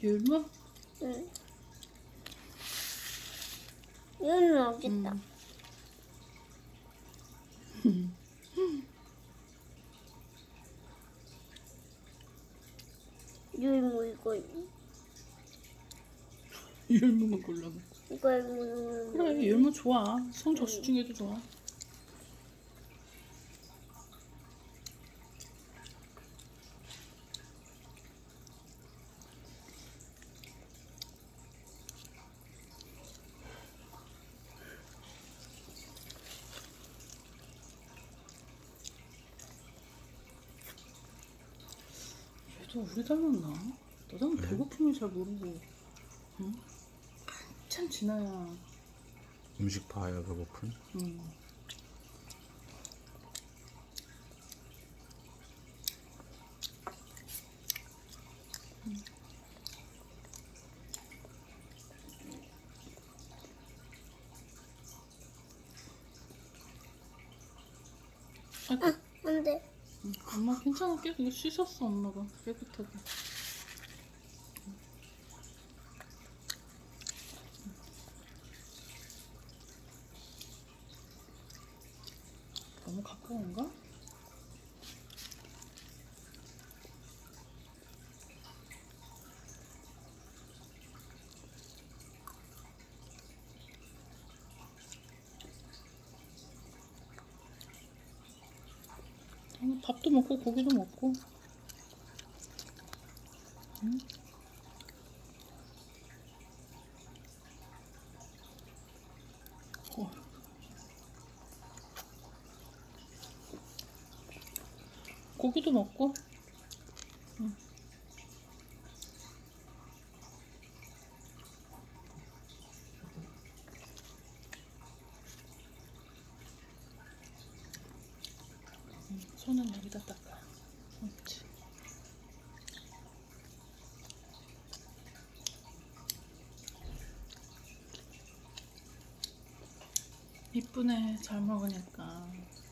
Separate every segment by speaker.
Speaker 1: 율무?
Speaker 2: 응. 율무 여기 있다. 율무 이거
Speaker 1: 율무만 골라봐.
Speaker 2: 이거 율무.
Speaker 1: 그래, 율무 좋아. 성적수 중에도 좋아. 얘도 우리 닮았나? 나는 배고픔을 잘 모르고. 응? 한참 지나야.
Speaker 3: 음식 봐야 배고픈.
Speaker 1: 아이고,
Speaker 2: 안 돼.
Speaker 1: 엄마 괜찮아. 깨끗이 씻었어, 엄마가. 깨끗하게. 너무 가까운가? 밥도 먹고 고기도 먹고. 응? 어. 고기도 먹고. 응. 손은 여기다 닦아. 그렇지. 이쁘네. 잘 먹으니까.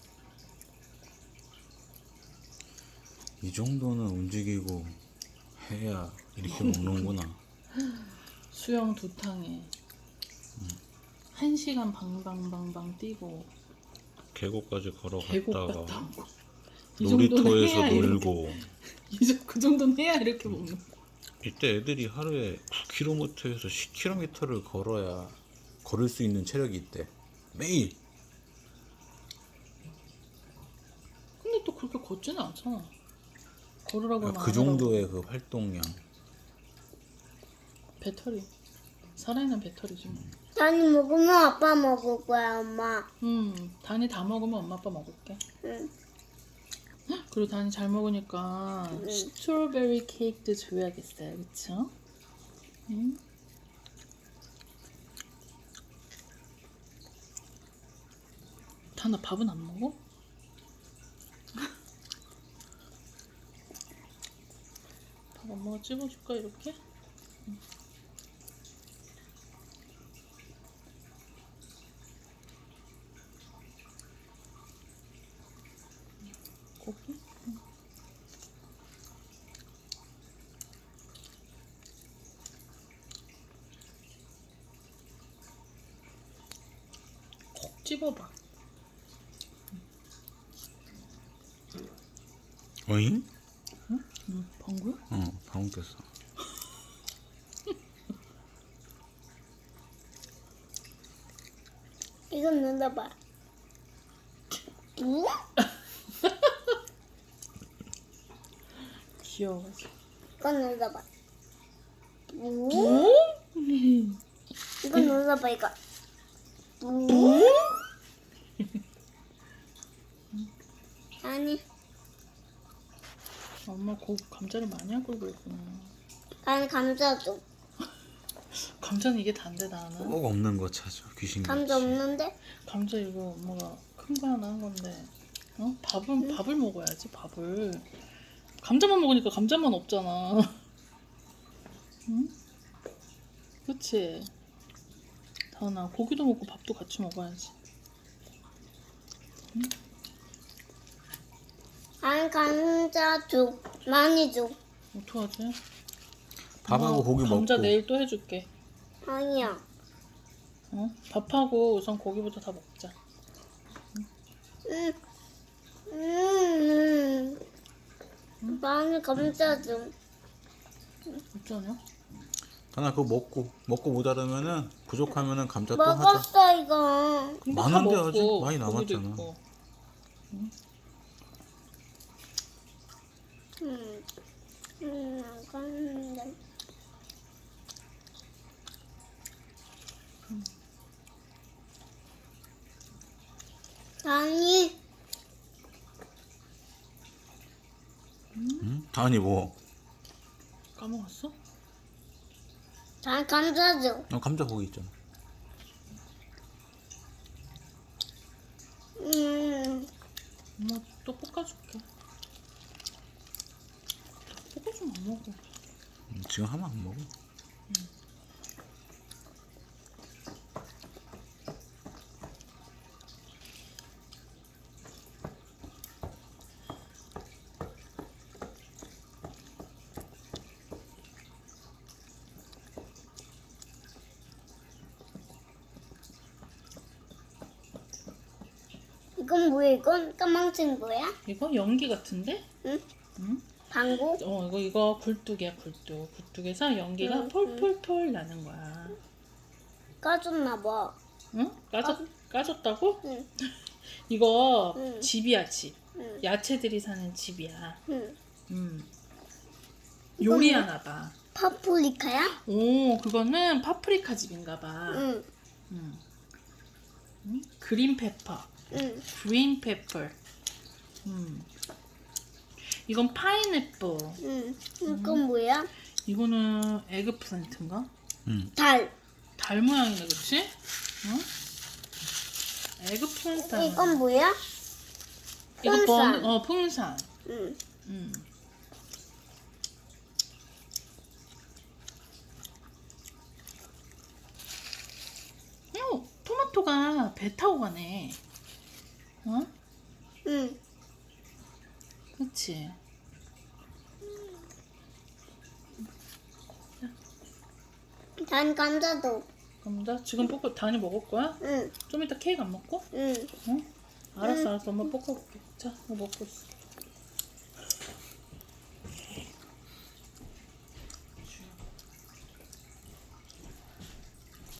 Speaker 3: 이 정도는 움직이고 해야 이렇게 먹는구나.
Speaker 1: 수영 2탕에 1시간 방방방방 뛰고
Speaker 3: 계곡까지
Speaker 1: 계곡
Speaker 3: 걸어갔다가
Speaker 1: 갔다 오고. 이 정도는
Speaker 3: 놀이터에서
Speaker 1: 해야
Speaker 3: 놀고.
Speaker 1: 그 정도는 해야 이렇게 먹는 거.
Speaker 3: 이때 애들이 하루에 9km에서 10km를 걸어야 걸을 수 있는 체력이 있대. 매일.
Speaker 1: 근데 또 그렇게 걷지는 않잖아. 걸으라고 하면
Speaker 3: 그
Speaker 1: 안 하라고.
Speaker 3: 정도의 그 활동량.
Speaker 1: 배터리. 살아있는 배터리지 뭐.
Speaker 2: 단이 먹으면 아빠 먹을 거야, 엄마.
Speaker 1: 단이 다 먹으면 엄마 아빠 먹을게.
Speaker 2: 응.
Speaker 1: 그리고 단이 잘 먹으니까 스트로베리 케이크도 줘야겠어요. 그쵸? 응? 단아 밥은 안 먹어? 밥 엄마가 찍어줄까 이렇게? 고기? 콕 집어봐.
Speaker 3: 어잉?
Speaker 1: 응? 방구?
Speaker 3: 방금 꼈어.
Speaker 2: 이건 눌러봐. 응?
Speaker 1: 귀여워가지고.
Speaker 2: 이건 눌러봐. 응?
Speaker 1: 오?
Speaker 2: 이건 눌러봐, 이거. 응? 아니,
Speaker 1: 엄마 감자를 많이 하고 그랬구나.
Speaker 2: 난 감자 줘.
Speaker 1: 감자는 이게 단데 나는.
Speaker 3: 꼭 없는 거 찾아. 귀신같이.
Speaker 2: 감자 없는데?
Speaker 1: 감자 이거 엄마가 큰 거 하나 한 건데. 어? 밥을 먹어야지 밥을. 감자만 먹으니까 감자만 없잖아. 응? 그치? 다은아 고기도 먹고 밥도 같이 먹어야지. 응?
Speaker 2: 난 감자 줘. 많이 줘.
Speaker 1: 어떡하지?
Speaker 3: 밥하고 고기 먹고.
Speaker 1: 감자 내일 또 해줄게.
Speaker 2: 아니야.
Speaker 1: 어? 밥하고 우선 고기부터 다 먹자.
Speaker 2: 나는 감자 좀.
Speaker 1: 어쩌냐?
Speaker 3: 하나 그거 먹고 모자르면은 부족하면은 감자 또 하자.
Speaker 2: 먹었어 이거.
Speaker 1: 근데
Speaker 3: 많은데
Speaker 1: 다
Speaker 3: 아직
Speaker 1: 먹고
Speaker 3: 많이
Speaker 1: 고기도
Speaker 3: 남았잖아.
Speaker 1: 있고.
Speaker 2: 나갔는데. 아니,
Speaker 3: 응? 다은이 뭐?
Speaker 1: 까먹었어?
Speaker 2: 난 감자 좀.
Speaker 3: 감자 거기 있잖아.
Speaker 1: 엄마 또 볶아줄게. 볶아주면 안 먹어.
Speaker 3: 지금 하면 안 먹어.
Speaker 2: 이건 뭐야? 이건 까망색 뭐야?
Speaker 1: 이거 연기 같은데?
Speaker 2: 응?
Speaker 1: 응?
Speaker 2: 방구?
Speaker 1: 이거 굴뚝이야, 굴뚝. 굴뚝에서 연기가 폴폴폴 나는 거야.
Speaker 2: 까졌나 봐.
Speaker 1: 응? 까졌다고?
Speaker 2: 응.
Speaker 1: 이거
Speaker 2: 응.
Speaker 1: 집이야, 집.
Speaker 2: 응.
Speaker 1: 야채들이 사는 집이야.
Speaker 2: 응.
Speaker 1: 요리하나 봐.
Speaker 2: 파프리카야?
Speaker 1: 오, 그거는 파프리카 집인가 봐.
Speaker 2: 응.
Speaker 1: 그린 페퍼.
Speaker 2: 응.
Speaker 1: 그린 페퍼. 이건 파인애플.
Speaker 2: 응. 이건 뭐야?
Speaker 1: 이거는 에그플랜트인가?
Speaker 2: 달.
Speaker 1: 달 모양이네, 그치? 응? 에그플랜트.
Speaker 2: 이건 뭐야?
Speaker 1: 이거
Speaker 2: 풍선.
Speaker 1: 풍선.
Speaker 2: 응.
Speaker 1: 토마토가 배 타고 가네. 어?
Speaker 2: 응.
Speaker 1: 그치?
Speaker 2: 난 감자도.
Speaker 1: 감자? 지금 다니 먹을 거야?
Speaker 2: 응.
Speaker 1: 좀 이따 케이크 안 먹고?
Speaker 2: 응.
Speaker 1: 응? 알았어. 엄마 볶아볼게. 자, 이거 먹고 있어.